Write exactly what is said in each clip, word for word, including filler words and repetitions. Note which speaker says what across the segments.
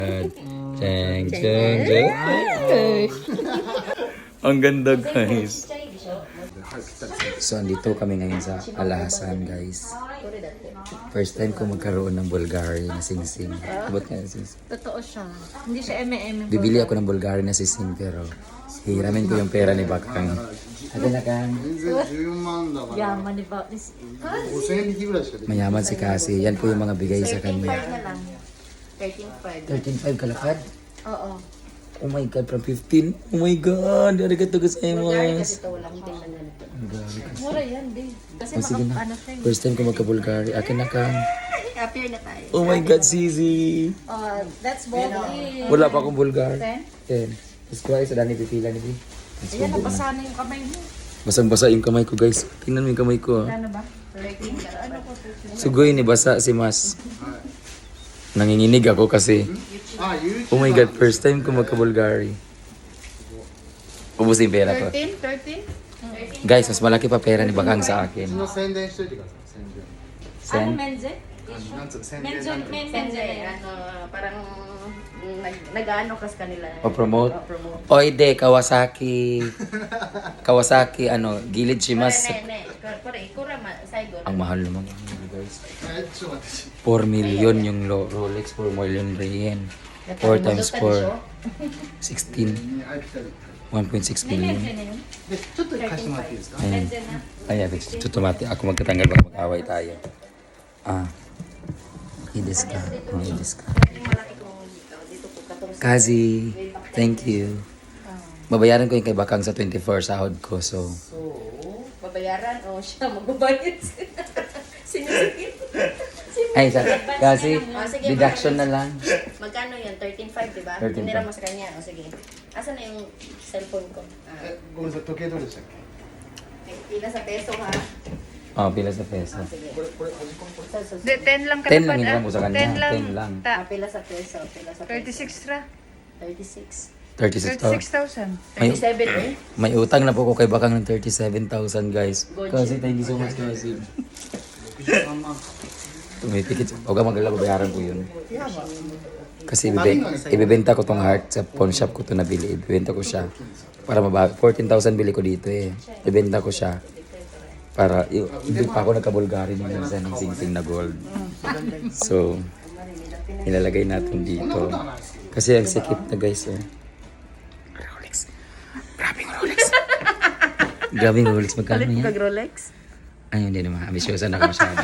Speaker 1: Cheng, cheng, cheng. Ang ganda, guys. So, andito kami ngayon sa Alahasan, guys. First time ko magkaroon ng Bulgari na sing-sing. Ba't nga sing-sing?
Speaker 2: Totoo siya. Hindi siya M M.
Speaker 1: Bibili ako ng Bulgari na sing-sing, pero hiramin ko yung pera ni Bakang. Ate na Kang.
Speaker 3: 全然じゅうまんだから
Speaker 2: Yaman ni ba?
Speaker 3: ごせんえん引きぐらいしかできない
Speaker 1: Mayaman si Cassie. Yan po yung mga bigay sa
Speaker 2: thirteen
Speaker 1: kanya.
Speaker 2: five na lang. thirteen five.
Speaker 1: thirteen five kalakad?
Speaker 2: Oo.
Speaker 1: Oh my God, from fifteen? Oh my God, arigato
Speaker 2: Bulgari kasi
Speaker 1: gozaimasu.
Speaker 2: ito walang tingnan na nito. Mura yan, di. Kasi
Speaker 1: Oh, sige
Speaker 2: maka,
Speaker 1: na.
Speaker 2: ano siya. eh.
Speaker 1: First time ko magka-Bulgari. Akin na Kang.
Speaker 2: Appear na tayo.
Speaker 1: Oh my God, Zizi.
Speaker 2: Uh, that's Bulgari.
Speaker 1: Wala pa akong Bulgari.
Speaker 2: Ten?
Speaker 1: Ten. Tapos kuha sa dani pipila ni Bi.
Speaker 2: Ayan, nabasa na yung kamay mo.
Speaker 1: Basang-basa yung kamay ko, guys. Tingnan mo yung kamay ko. Ah.
Speaker 2: Ano ba? thirteen. Ano ko?
Speaker 1: Sugoy ni basa si Mas. Nanginginig ako kasi.
Speaker 3: あ YouTube
Speaker 1: Oh my God, first time ko magka-Bulgari. Ubus yung pera ko.
Speaker 2: thirteen? thirteen?
Speaker 1: Guys, mas malaki pa pera ni Bakang sa akin.
Speaker 3: の宣伝しといてください宣伝
Speaker 1: Sen?
Speaker 2: Ano, Menze?
Speaker 3: なんつう宣伝
Speaker 2: Menze,
Speaker 3: なんて
Speaker 2: Menze. Ano, parang nag, nag-ano kas kanila.
Speaker 1: O promote?
Speaker 2: O, promote.
Speaker 1: Oy, de, Kawasaki. Kawasaki, ano, gilid si Mas.
Speaker 2: Ne, ne. Pare, ikura ma, saigo.
Speaker 1: Ang mahal naman yun, guys.
Speaker 3: えちょっと待って
Speaker 1: four million yung lo- Rolex, four million yen. four times four, sixteen.
Speaker 3: あ来たり
Speaker 1: one point six
Speaker 2: Menze
Speaker 1: billion.
Speaker 2: na yun.
Speaker 3: でちょっと貸してもらっていいですか
Speaker 1: Ayan.
Speaker 2: Menze na.
Speaker 1: Ayan, tutumati. Ako magkatanggal baka mag-away tayo. Ah. Ides ka. Oh, ides ka.
Speaker 2: Yung malaki ko dito. Dito po katong sa...
Speaker 1: Kazi, thank you. Babayaran ko yung kay Bakang sa twenty-four sahod ko, so...
Speaker 2: So, babayaran o siya magbabayad. Sinusikip.
Speaker 1: Ay, sa, kasi
Speaker 2: Ah, sige,
Speaker 1: deduction na lang.
Speaker 2: Magkano yan? thirteen five, di ba?
Speaker 1: thirteen
Speaker 2: Tinira
Speaker 1: five.
Speaker 2: mo sa kanya. O sige. Asan na yung cellphone ko? Ah,
Speaker 3: えごめんなさい時計どれでしたっけ
Speaker 2: pila sa peso ha?
Speaker 1: Oh, pila sa peso.
Speaker 2: Ah, sige.
Speaker 3: これこれ端っこのこれ
Speaker 2: So, so, so.
Speaker 4: De, ten lang
Speaker 1: ten lang
Speaker 4: kalapad
Speaker 1: yung mo sa kanya.
Speaker 4: ten lang.
Speaker 1: ten lang.
Speaker 2: Ah,
Speaker 4: Ta,
Speaker 2: pila sa peso. Pila sa peso.
Speaker 4: thirty-six ra.
Speaker 2: thirty-six.
Speaker 1: thirty-six
Speaker 4: thirty-six
Speaker 1: thousand.
Speaker 4: thousand.
Speaker 1: May,
Speaker 2: thirty-seven eh.
Speaker 1: may utang na po ko kay Bakang ng thirty-seven thousand, guys.
Speaker 2: Good.
Speaker 1: Kasi thank you so much, kasi.
Speaker 3: ろくじゅうさんまん
Speaker 1: Tumitikit. Huwag ka mag-alala, babayaran ko yun. Kasi ibibe, ibibenta ko tong heart sa pawn shop ko to nabili. Ibibenta ko siya. Para mabawi. fourteen thousand bili ko dito eh. Ibibenta ko siya. Para, y- hindi pa ako nagka-Bulgari nung minsan ng sing-sing na gold. So, ilalagay natin dito. Kasi ang sikip na, guys. Oh. Rolex. Grabing Rolex. Grabing Rolex. Magkano yan?
Speaker 2: Rolex?
Speaker 1: Ay, hindi naman. Ambisyosa na ako masyado.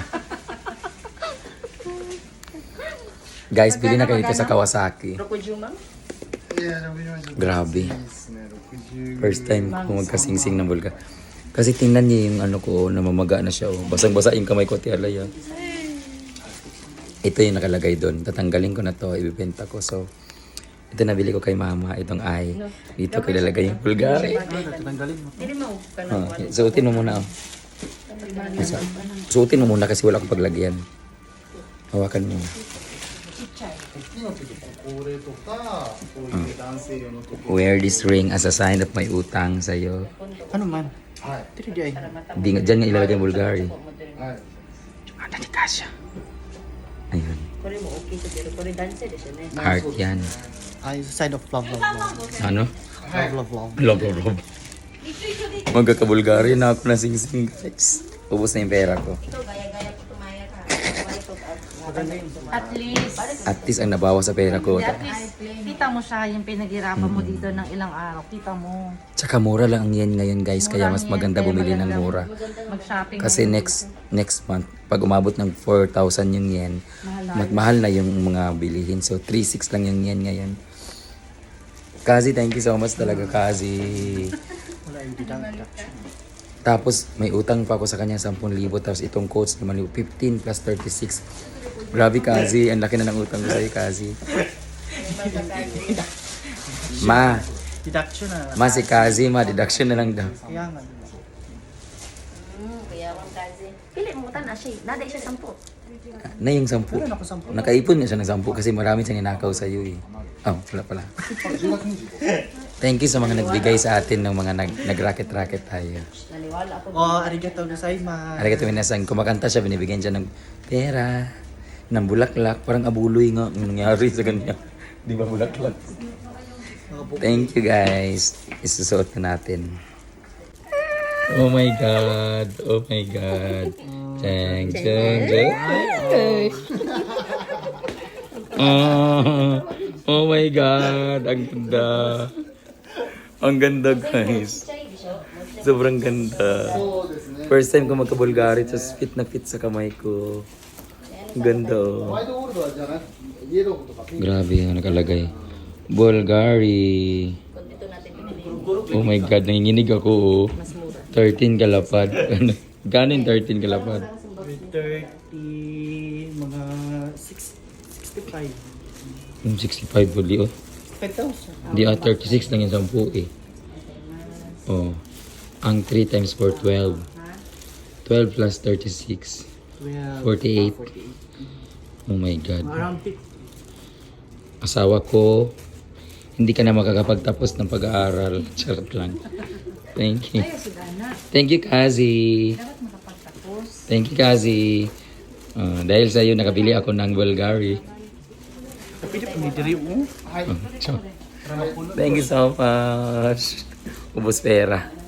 Speaker 1: Guys, bili na kayo dito sa Kawasaki.
Speaker 2: Rokujumang?
Speaker 3: いやろくじゅうまんちょっと
Speaker 1: Grabe.
Speaker 3: いいですねろくじゅう
Speaker 1: First time ko magkasingsing ng Bulga. Kasi tingnan niyo yung ano ko, namamaga na siya. Oh. Basang-basa yung kamay ko, tialay. Ah. Ito yung nakalagay doon. Tatanggalin ko na to, ibibenta ko. So, ito nabili ko kay mama. Itong ay. Dito ko ilalagay yung Bulgari.
Speaker 2: Hindi mo ka na.
Speaker 1: Oh, suotin mo muna. Oh. Isa- Suotin mo muna kasi wala akong paglagyan. Hawakan mo.
Speaker 3: 時の時これとかこういう男性用の時計
Speaker 1: Wear this ring as a sign of may utang sa'yo.
Speaker 3: ano manはい
Speaker 1: Di nga, dyan nga ilalagay yung Bulgari.
Speaker 3: はい
Speaker 1: Ano ni Kasia? Ayun.
Speaker 2: これも大きいけど、これ男性でしょうね。
Speaker 1: Heart yan.
Speaker 5: I side of love, love, love.
Speaker 1: Ano?
Speaker 5: Love, love, love.
Speaker 1: Love, love, love. Magkaka-Bulgari na ako na sing-sing, guys. Ubus na yung pera ko.
Speaker 2: Ito, gaya-gaya ko tumaya ka.
Speaker 4: At least,
Speaker 1: At least ang nabawa sa pera ko.
Speaker 4: at least, kita mo siya yung pinaghirapan mo dito ng ilang araw. Kita mo.
Speaker 1: Tsaka mura lang ang yen ngayon, guys. Kaya mas maganda bumili ng mura.
Speaker 4: Mag-shopping.
Speaker 1: Kasi next next month, pag umabot ng four thousand yung yen, mas mahal na yung mga bilihin. So, three six lang yung yen ngayon. Kazi, thank you so much talaga, Kazi.
Speaker 5: Wala yung deduction.
Speaker 1: Tapos, may utang pa ako sa kanya, ten thousand. Tapos, itong coach naman, fifteen plus thirty-six. Grabe, Kazi. Ang laki na ng utang ko sa'yo, Kazi. Ma,
Speaker 5: Deduction na.
Speaker 1: ma si Kazi, ma, deduction na lang daw.
Speaker 5: Kaya nga.
Speaker 2: Hmm, kaya wang kazi. Pili mo ta na siya. Nada siya sampu.
Speaker 1: Na yung sampu.
Speaker 5: Wala na ako sampu.
Speaker 1: Nakaipon na siya ng sampu kasi marami siyang ninakaw sa'yo eh. Oh, wala pala. Thank you sa mga nagbigay sa atin ng mga nag, nag-racket-racket tayo.
Speaker 2: Naniwala ako.
Speaker 5: Oh, arigato gozaimasu.
Speaker 1: Arigato minasan, kumakanta siya, binibigyan siya ng pera, ng bulaklak, parang abuloy nga ang nangyari sa kanya. Di ba bulaklak? Thank you guys. Isusuot na natin. Oh my God. Oh my God. Chang, chang, chang. Oh, oh my God. Ang ganda. Ang ganda guys. Sobrang ganda. First time ko magka-Bulgari, tapos fit na fit sa kamay ko. Ang ganda oh.
Speaker 3: ホワイトゴールドはじゃなくイエローとかピンク
Speaker 1: Grabe yung nakalagay. Bulgari.
Speaker 2: Kung dito natin pinili.
Speaker 1: Oh my God, nanginginig ako oh.
Speaker 2: Mas mura.
Speaker 1: thirteen kalapad. Gano'n yung thirteen kalapad?
Speaker 5: thirty, mga six, sixty-five.
Speaker 1: Yung sixty-five puli oh.
Speaker 5: five thousand.
Speaker 1: Hindi ah, thirty-six lang yung sampu eh. Oh. Ang three times four, twelve. twelve plus thirty-six.
Speaker 5: twelve.
Speaker 1: forty-eight.
Speaker 5: forty-eight.
Speaker 1: Oh my God.
Speaker 5: Around fifty.
Speaker 1: Asawa ko, hindi ka na makakapagtapos ng pag-aaral. Charot lang. Thank you.
Speaker 4: Ayaw sila na.
Speaker 1: Thank you, Kazi.
Speaker 4: Dapat makapagtapos.
Speaker 1: Thank you, Kazi. Ah, dahil sa iyo, nakabili ako ng Bulgari.
Speaker 5: Tapi dia punya diri mo.
Speaker 1: Oh, so, thank you so much. Ubus pera.